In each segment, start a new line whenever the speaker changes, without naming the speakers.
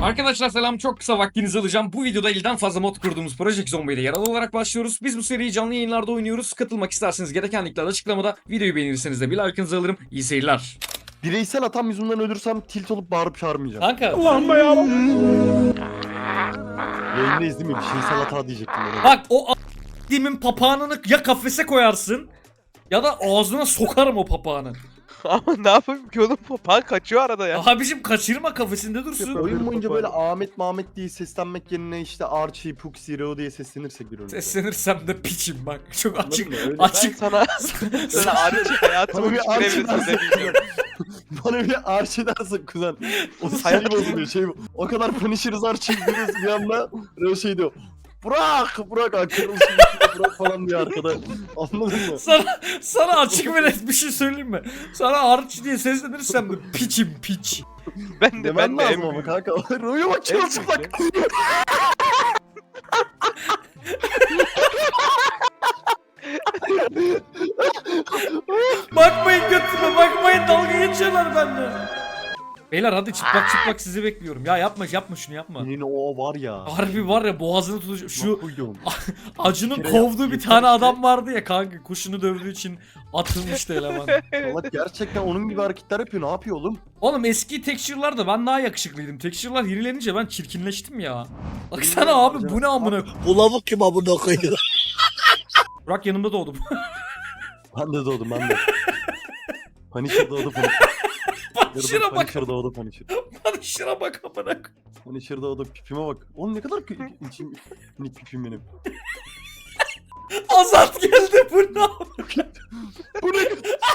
Arkadaşlar selam, çok kısa vaktinizi alacağım. Bu videoda elden fazla mod kurduğumuz Project Zombo'yla yaralı olarak başlıyoruz. Biz bu seriyi canlı yayınlarda oynuyoruz. Katılmak isterseniz gereken linkler açıklamada. Videoyu beğenirseniz de bir like'ınızı alırım. İyi seyirler.
Bireysel hatam yüzünden ölürsem tilt olup bağırıp çağırmayacağım.
Kanka
Yayındayız değil mi? Bireysel hata diyecektim ben.
bak, o a**limin papağanını ya kafese koyarsın ya da ağzına sokarım o papağanı.
Ama ne yapayım ki oğlum, papağan kaçıyor arada ya.
Abicim kaçırma, kafesinde dursun.
Oyun boyunca böyle Ahmet Mahmet diye seslenmek yerine işte Archie, Puxi, Reo diye seslenirsek bir oyun.
Seslenirsem de piçim bak. Çok açık.
mı? Öyle.
Ben
Açık.
sana Archie hayatımın
Bana bir
hiçbir
Archie
evresinde
dersin
demeyeceğim.
kuzen. Bana bir Archie dersin kuzen. O sayı bozuluyor şey bu. O kadar Punisher'ız Archie diyoruz bir anda Reo şey diyor. Burak akırılsın Burak falan diyor arkada. Anladın mı?
Sana açık ve net bir şey söyleyeyim mi? Sana Arch diye seslenirsem de piçim piç.
Ben de
Demen
en
lazım ama
büyük.
kanka. Reo'ya bak çırılçıplak.
Bakmayın götüme, bakmayın, dalga geçiyorlar bende. Beyler hadi çıplak sizi bekliyorum. Ya yapma şunu yapma.
Yine o var ya.
Harbi var ya, boğazını tutacak. Şu
Koydum.
Acun'un
Bir kere
kovduğu bir
yeter
tane
ki-
adam vardı ya kanka, kuşunu dövdüğü için atılmıştı eleman.
Allah gerçekten onun gibi hareketler yapıyor. Ne yapıyor oğlum?
Oğlum eski texture'larda ben daha yakışıklıydım. Texture'lar yenilenince ben çirkinleştim ya. Baksana abi, bu ne amına.
Bu lavuk kim amına koyuyor?
Burak yanımda doğdum.
Ben de doğdum ben de. Punisher doğdu Punisher.
Punisher'a bak.
Punisher doğdu Punisher.
Punisher'a bak amına.
Punisher doğdu pipime bak. Oğlum ne kadar içim minik pipim benim.
Azat geldi, bu ne?
Bu ne?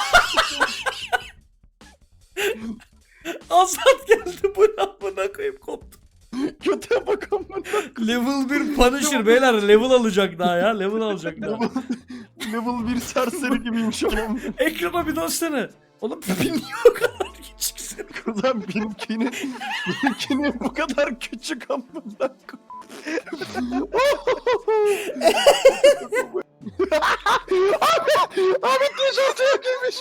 Azat geldi, bu ne amına koyayım, koptu.
Kötüye bak amına.
Level 1 Punisher beyler, level alacak daha ya, level alacak daha.
Level 1 serseri gibiyim şu an.
Ekrana bir dönsene. Oğlum pipin niye o kadar küçüksün?
Kuzen benimkini bu kadar küçük amına. Ahmet tişörtüye giymiş.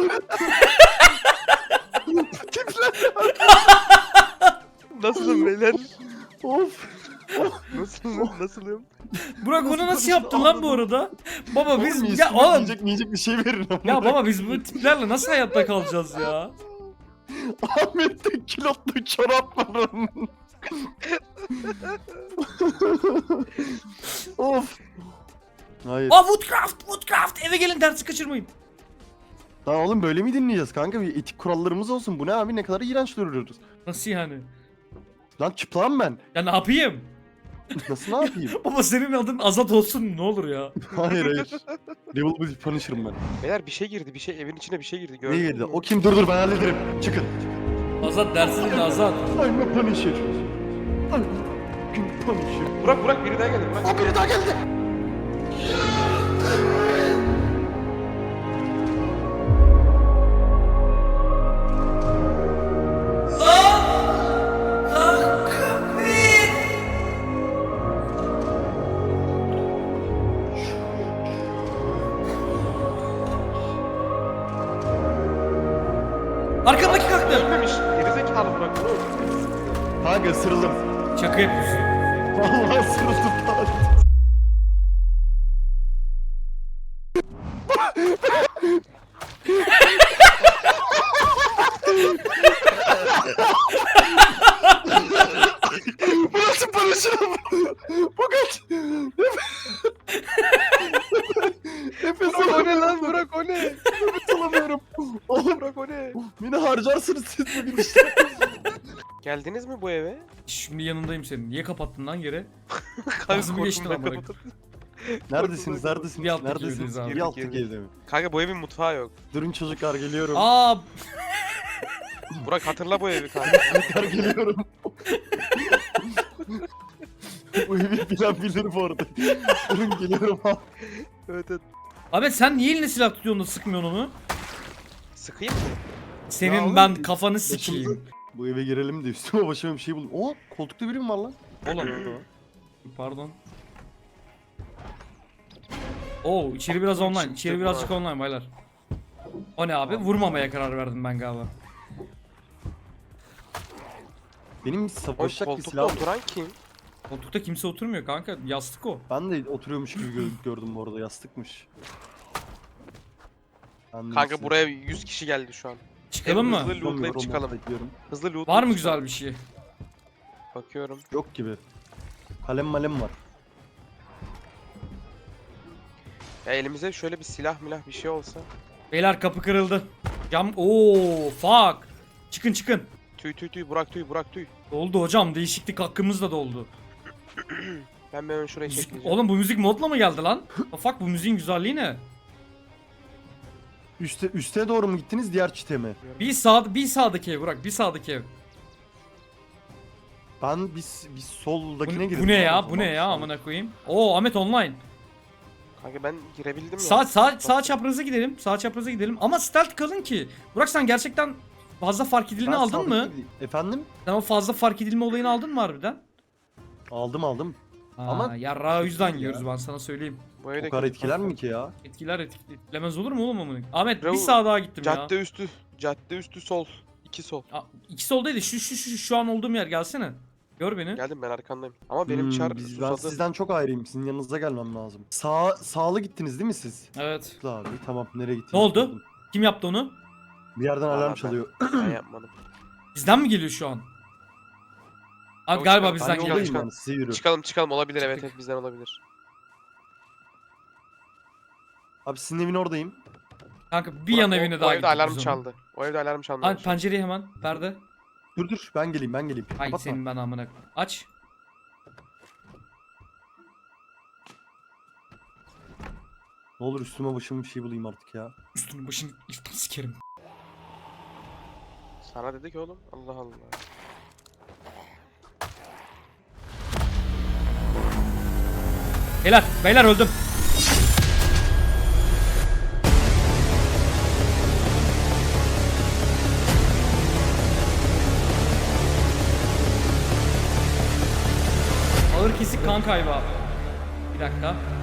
Tipler.
Nasılım beyler?
Of.
Nasılım?
Burak bunu nasıl yaptın lan bu arada? Baba biz
Oğlum,
ya oğlum
yiyecek bir şey verin amına.
ya baba biz bu tiplerle nasıl hayatta kalacağız ya?
Ahmet'te kilotlu çorap var. Of. Hayır.
Aa, Woodcraft eve gelin, dersi kaçırmayın.
Lan oğlum böyle mi dinleyeceğiz kanka? Bir etik kurallarımız olsun. Bu ne abi, ne kadar iğrenç duruyoruz.
Nasıl yani?
Lan çıplağım ben.
Ya ne yapayım?
Nasıl ne yapayım?
Baba senin adın Azat olsun ne olur ya.
Hayır. Level 1 Punisher'ım ben.
Beyler bir şey girdi, bir şey evin içine bir şey girdi.
Ne
Gördün
girdi?
mü?
O kim? Dur ben hallederim. Çıkın.
Azat dersi dinle Azat.
I'm a Punisher. I'm a Punisher.
Burak biri daha geldi. Burak.
O biri daha geldi.
Arkamdaki kalktı.
Ölmemiş. Gerizekalı Burak.
Kanka ısırıldım.
Şaka yapıyorsun.
Vallahi ısırıldım. Bu nasıl Punisher'ım? Bu kaç? Nefes
Burak o
alamıyorum.
ne lan? Burak o ne?
Nefes alamıyorum. Oğlum
Burak o ne?
beni harcarsınız siz bugün işte.
Geldiniz mi bu eve?
Şimdi yanındayım senin. Niye kapattın lan yere?
Kanka
Ağzımı geçtin
korkumdan
amına.
kapattım.
Neredesiniz?
Bir
Neredesiniz?
alttaki
Neredesiniz?
evdeyiz abi.
Bir alttaki evde mi?
Kanka bu evin mutfağı yok.
Durun çocuklar geliyorum.
Aa,
Burak hatırla bu evi kanka.
Çocuklar geliyorum. Bu evi bilen bilir bu arada. Durun geliyorum abi.
Evet.
abi sen niye eline silah tutuyorsun da sıkmıyorsun onu?
Sıkayım mı?
Senin
Ya oğlum,
ben kafanı sikeyim.
başımıza- Bu eve girelim de üstüme başıma bir şey buldum. Oo, koltukta biri mi var lan?
Oğlum. Pardon. Oo, içeri biraz online. İçeri birazcık online baylar. O ne abi? Vurmamaya karar verdim ben galiba.
Benim
Oğlum
savaşacak bir
koltukta
silahım yok.
oturan kim?
Koltukta kimse oturmuyor kanka. Yastık o.
Ben de oturuyormuş gibi gördüm bu arada, yastıkmış. Ben de
Kanka
neyse.
buraya 100 kişi geldi şu an.
Çıkalım mı?
Hızlı lootlayıp
Tutamıyorum,
çıkalım.
bekliyorum.
Hızlı lootlayıp
Var mı
çıkalım.
güzel bir şey?
Bakıyorum.
Yok gibi. Kalem malem var.
Ya elimize şöyle bir silah milah bir şey olsa.
Beyler kapı kırıldı. Cam. Oo, fuck. Çıkın çıkın.
Tüy Burak tüy Burak tüy.
Doldu hocam. Değişiklik hakkımız da doldu.
Ben hemen şuraya
Müzik,
çekeceğim.
oğlum bu müzik modla mı geldi lan? Fuck, bu müziğin güzelliği ne?
Üste doğru mu gittiniz, diğer çite mi?
Bir sağdaki ev Burak. Bir sağdaki ev.
Ben bir soldakine girdim.
Bu ne ya?
Tamam,
Bu ne ya?
tamam.
Amına koyayım. Oo, Ahmet online.
Kanka ben girebildim ya.
Sağ çapraza gidelim. Sağ çapraza gidelim. Ama stealth kalın ki. Burak sen gerçekten fazla fark edilme
Ben
aldın mı?
sağdaki- Efendim?
Sen o fazla fark edilme olayını aldın mı harbiden?
Aldım.
Ama
Ama
yarrağı o yüzden
ya.
yiyoruz, ben sana söyleyeyim.
Bu evde
O kadar
kötü
etkiler
kanka.
mi ki ya?
Etkilemez olur mu oğlum amına? Ahmet bir
Bravo.
sağa daha gittim ya.
Cadde üstü sol. 2 sol.
İki soldaydı. Şu an olduğum yer, gelsene. Gör beni.
Geldim ben arkandayım. Ama benim çar
Ben
susadı.
sizden çok ayrıyım. Sizin yanınıza gelmem lazım. Sağlı gittiniz değil mi siz?
Evet.
Abi tamam, nereye gittiniz?
Ne oldu?
Gördüm.
Kim yaptı onu?
Bir yerden
Vallahi
alarm
ben-
çalıyor.
Ben yapmadım.
Bizden mi geliyor şu an? Abi
Yok,
galiba
ben
bizden
Ben
yoldayım
geliyor.
yoldayım
şu an.
yani, size yürü.
Çıkalım olabilir evet
Çıktık.
evet bizden olabilir.
Abi sizin evin oradayım.
Kanka bir
Burak,
yan
o-
evine
o
daha
evde
gittik
alarm
biz onun.
çaldı. O evde alarm çaldı.
Abi pencereyi hemen. Perde.
Dur ben geleyim.
Ay
Kapatma.
senin ben amına. Aç.
Ne olur üstüme başıma bir şey bulayım artık ya.
Üstünü başını iftar sikerim.
Sana dedik oğlum. Allah Allah.
Beyler öldüm. Ağır kesik kan kaybı abi. Bir dakika.